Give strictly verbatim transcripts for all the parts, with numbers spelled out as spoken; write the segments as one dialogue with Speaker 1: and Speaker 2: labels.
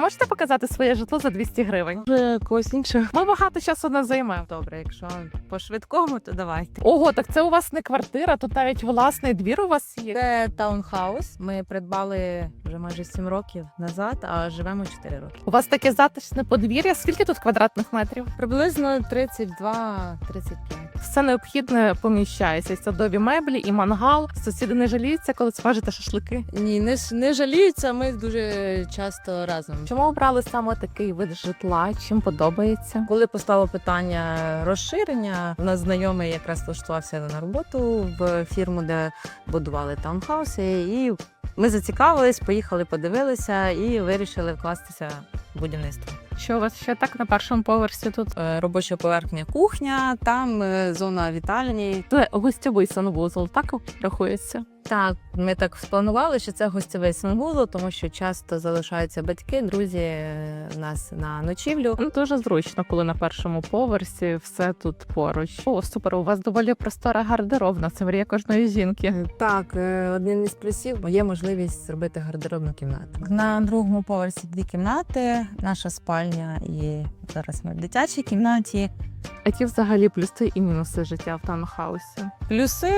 Speaker 1: можете показати своє житло за двісті гривень?
Speaker 2: Вже когось іншого.
Speaker 1: Ми багато часу не займемо.
Speaker 2: Добре, якщо по швидкому, то давайте.
Speaker 1: Ого, так це у вас не квартира, тут навіть власний двір у вас є.
Speaker 2: Це таунхаус. Ми придбали вже майже сім років назад, а живемо чотири роки.
Speaker 1: У вас таке затишне подвір'я. Скільки тут квадратних метрів?
Speaker 2: Приблизно тридцять два тридцять п'ять.
Speaker 1: Все необхідне поміщається. Садові меблі і мангал. Сусіди не жаліються, коли смажите шашлики.
Speaker 2: Ні, не, ж- не жаліються, ми дуже часто разом.
Speaker 1: Чому обрали саме такий вид житла? Чим подобається?
Speaker 2: Коли постало питання розширення, у нас знайомий якраз влаштувався на роботу в фірму, де будували таунхауси, і ми зацікавились, поїхали, подивилися і вирішили вкластися в будівництво.
Speaker 1: Що у вас ще так на першому поверсі тут?
Speaker 2: Е, Робоча поверхня кухня, там е, зона вітальні.
Speaker 1: Це гостьовий санвузол, так рахується?
Speaker 2: Так, ми так спланували, що це гостєвий санвузол, тому що часто залишаються батьки, друзі е, в нас на ночівлю.
Speaker 1: Ну, дуже зручно, коли на першому поверсі все тут поруч. О, супер, у вас доволі простора гардеробна, це мрія кожної жінки.
Speaker 2: Так, е, один із плюсів є можливість зробити гардеробну кімнату. На другому поверсі дві кімнати, наша спальня і зараз ми в дитячій кімнаті.
Speaker 1: Які взагалі плюси і мінуси життя в таунхаусі?
Speaker 2: Плюси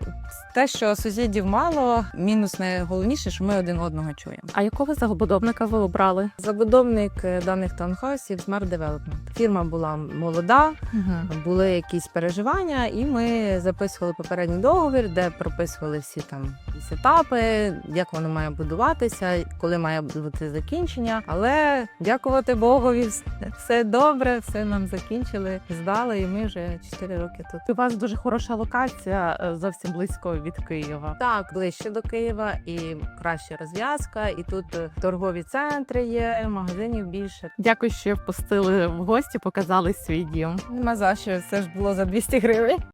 Speaker 2: те, що сусідів мало, мінус найголовніше, що ми один одного чуємо.
Speaker 1: А якого забудовника ви обрали?
Speaker 2: Забудовник е, даних таунхаусів Smart Development. Фірма була молода,
Speaker 1: Угу.
Speaker 2: були якісь переживання, і ми записували попередній договір, де прописували всі там якісь етапи, як воно має будуватися, коли має бути закінчення. Але дякувати Богові, все добре, все нам закінчили, здали, і ми вже чотири роки тут.
Speaker 1: У вас дуже хороша локація, е, зовсім близько від Києва.
Speaker 2: Так, ближче до Києва і краща розв'язка, і тут е, торгові центри є, магазинів більше.
Speaker 1: Дякую, що впустили в гості, показали свій дім.
Speaker 2: Нема за що, це ж було за двісті гривень.